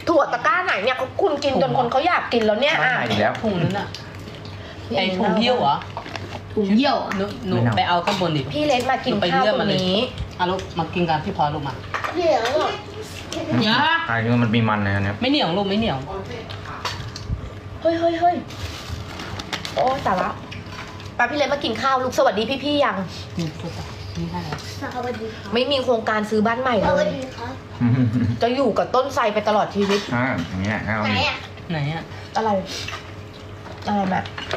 ถั่วตะกร้าไหนเนี่ยเขาคุณกินจนคนเขาอยากกินแล้วเนี่ยไม่อ่ะหายอีกแล้วถุงนั้นอ่ะไอถุงเยี่ยวเหรอถุงเยี่ยวหนูไปเอาข้างบนดิพี่เล็กมากินข้าวตรงนี้เอาลูกมากินกันพี่พอลูกมาเหนียวอ่ะเหนียวไอ้นี่มันมีมันนะเนี่ยไม่เหนียวลูกไม่เหนียวเฮ้ยโอ้แต่ละป้าพี่เล็กมากินข้าวลูกสวัสดีพี่ๆยังนี่ตัวนี่ได้แล้วสวัสดีครับไม่มีโครงการซื้อบ้านใหม่สเลวัสยดีครับจะอยู่กับต้นไทรไปตลอดชีวิตอย่างเงี้ยเอาไหนอ่ะไหนอ่ะอะไรแม่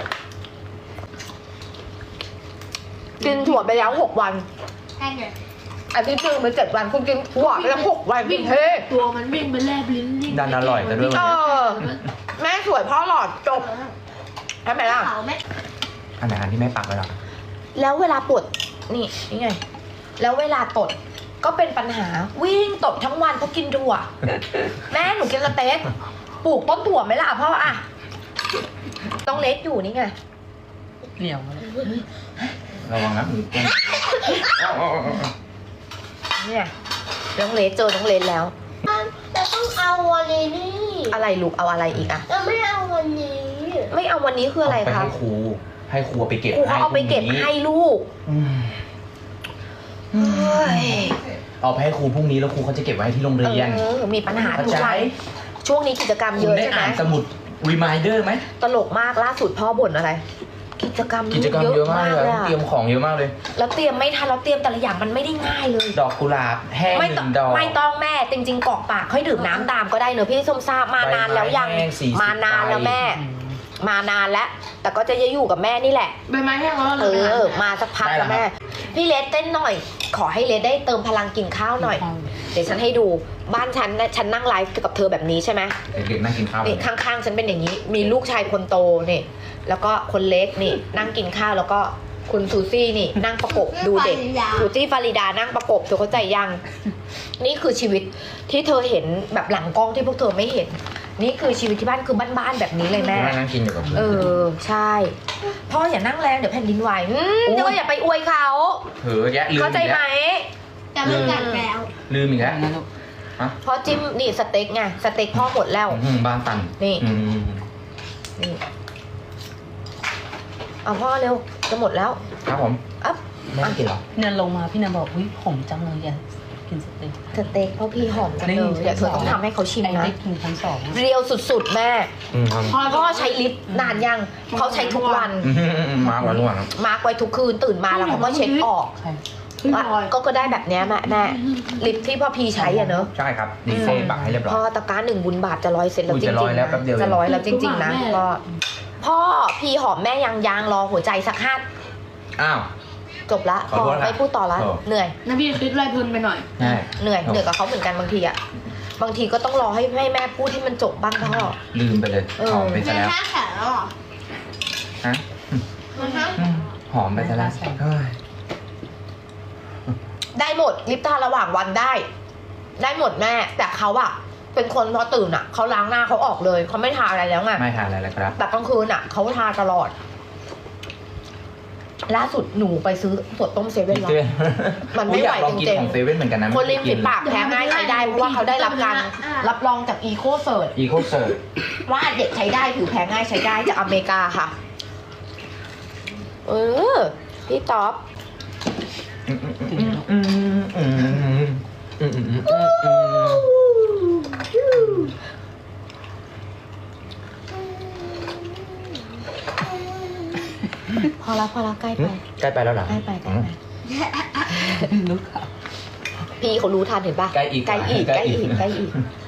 กินถั่วไปแล้ว6 วันใช่ไงอาทิตย์หนึงไป7 วันคุณกินถั่วไปแล้ว6 วันกินเฮ้ตัวมันวิ่งไปแลบลิ้นดันอร่อยกันด้วยเออแม่สวยพ่อหลอดจบใช่ไหมล่ะเขาไหมอันไหนอันที่ไม่ปักไว้หรอแล้วเวลาปวดนี่ไง แล้วเวลาตดก็เป็นปัญหาวิ่งตดทั้งวันเพราะกินถั่ว แม่หนูกินสเต็กปลูกต้นถั่วไหมล่ะพ่ออะต้องเล็กอยู่นี่ไงเหนียวเลยระวังนะมือเปื้อนเนี่ยน้องเลสเจอน้องเลสแล้วแต่ต้องเอาวันนี้อะไรลูกเอาอะไรอีกอะเราไม่เอาวันนี้ไม่เอาวันนี้คืออะไรไปคะให้ครูไปเก็บครูเขาเอาไปเก็บให้ลูก เฮ้ยเอาไปให้ครูพรุ่งนี้แล้วครูเขาจะเก็บไว้ที่โรงเรียนมีปัญหาทุกเข้าใจวันช่วงนี้กิจกรรมคุเยณอะได้ใช่ไหมอ่านสมุด reminder ไหมตลกมากล่าสุดพ่อบ่นอะไร กิจกรรมกิจกรรมเยอะมากเลยอะเตรียมของเยอะมากเลยแล้วเตรียมไม่ทันแล้วเตรียมแต่ละอย่างมันไม่ได้ง่ายเลยดอกกุหลาบแห้งไม่หต้อนึ่งงดอกไม่ต้องแม่จริงๆกรอกปากค่อยดื่มน้ำตามก็ได้เนอะพี่ส้มทราบมานานแล้วยังใบไม้แห้ง40 มานานแล้วแม่ มานานแล้ว แต่ก็จะอยู่กับแม่นี่แหละใบไม้แห้งแล้วมาสักพักแล้วแม่ พี่เลสเต้นหน่อย ขอให้เลสได้เติมพลังกินข้าวหน่อย เดี๋ยวฉันให้ดูบ้านฉันนะฉันนั่งไลฟ์กับเธอแบบนี้ใช่ไหมเด็กๆนั่งกินข้าวนี่ข้างๆฉันเป็นอย่างนี้ มีลูกชายคนโตนี่ แล้วก็คนเล็กนี่ นั่งกินข้าวแล้วก็คุณซูซี่นี่ นั่งประกบดูเด็กซูซี่ฟาริดานั่งประกบเธอเข้าใจยัง นี่คือชีวิตที่เธอเห็นแบบหลังกล้องที่พวกเธอไม่เห็น นี่คือชีวิตที่บ้านคือบ้านๆแบบนี้เลยแม่นั่งกินอยู่กับเพื่อนใช่ พ่ออย่านั่งแรงเดี๋ยวแผ่นดินไหวเดี๋ยวอย่าไปอวยเขาเผลอแยะลืมเข้าใจไหมแต่มันกัดแล้วลืมอีกแล้วนะลูกพ่อจิ้มนี่สเต็กไงสเต็กพ่อหมดแล้วบ้านตันนี่อืมนี่เอาพ่อเร็วจะหมดแล้วครับผมอัพไม่ได้กินหรอเนี่ยลงมาพี่นันบอกอุ้ยผมจังเลยแกกินสเต็กสเต็กพ่อพี่หอมจังเลยเดี๋ยวเธอต้องทำให้เขาชิมไอ้นะได้กินชั้น2 เรียวสุดๆแม่ครับพ่อใช้ลิปนานยังเขาใช้ทุกวันมาวันวันมาร์กไว้ทุกคืนตื่นมาแล้วเขาก็เช็คออกใช่ว่าก็ได้แบบเนี้ยแม่ลิปที่พ่อพีใช้อะเนอะใช่ครับดีเซ่ปักให้เรียบร้อยพ่อตะกร้า1 บุญบาทจะ100 เสร็จแล้วอุ้ยจริจะง 100 ๆแล้วแป๊บเดียวจะ100แล้วจริงๆนะแม่ก็พ่อพี่หอมแม่ยังรอหัวใจสัก5 อ้าวจบละขอโทษครับไม่พูดต่อละโอ้เหนื่อยนะพี่คิดไรเพลินไปหน่อยใช่เหนื่อยกับเขาเหมือนกันบางทีอะบางทีก็ต้องรอให้แม่พูดให้มันจบบ้างพ่อลืมไปเลยเออหอมไปซะแล้วแข็งแล้วเหรอฮะมันฮะหอมไปซะแล้วเฮ้ยได้หมดลิปทาระหว่างวันได้ ได้หมดแม่ แต่เขาอะเป็นคนพอตื่นอะเขาล้างหน้าเขาออกเลยเขาไม่ทาอะไรแล้วไงไม่ทานอะไรแล้วครับแต่กลางคืนอะเขาทาตลอด ล่าสุดหนูไปซื้อถั่วต้มเซเว่นแล้ว มันไม่ไหวอยากลองกินจริงๆของเซเว่นเหมือนกันนะคนริมฝีปากแพ้ง่ายใช้ได้เพราะว่าเขาได้รับการรับรองจากอีโคเซิร์อีโคเซิร์ว่าเด็กใช้ได้ผิวแพ้ง่ายใช้ได้จากอเมริกาค่ะ พี่ต๊อบพอแล้วใกล้ไปใกล้ไปแล้วเหรอใกล้ไปลูกค่ะพี่เขารู้ทันเห็นปะใกล้อีกใกล้อีก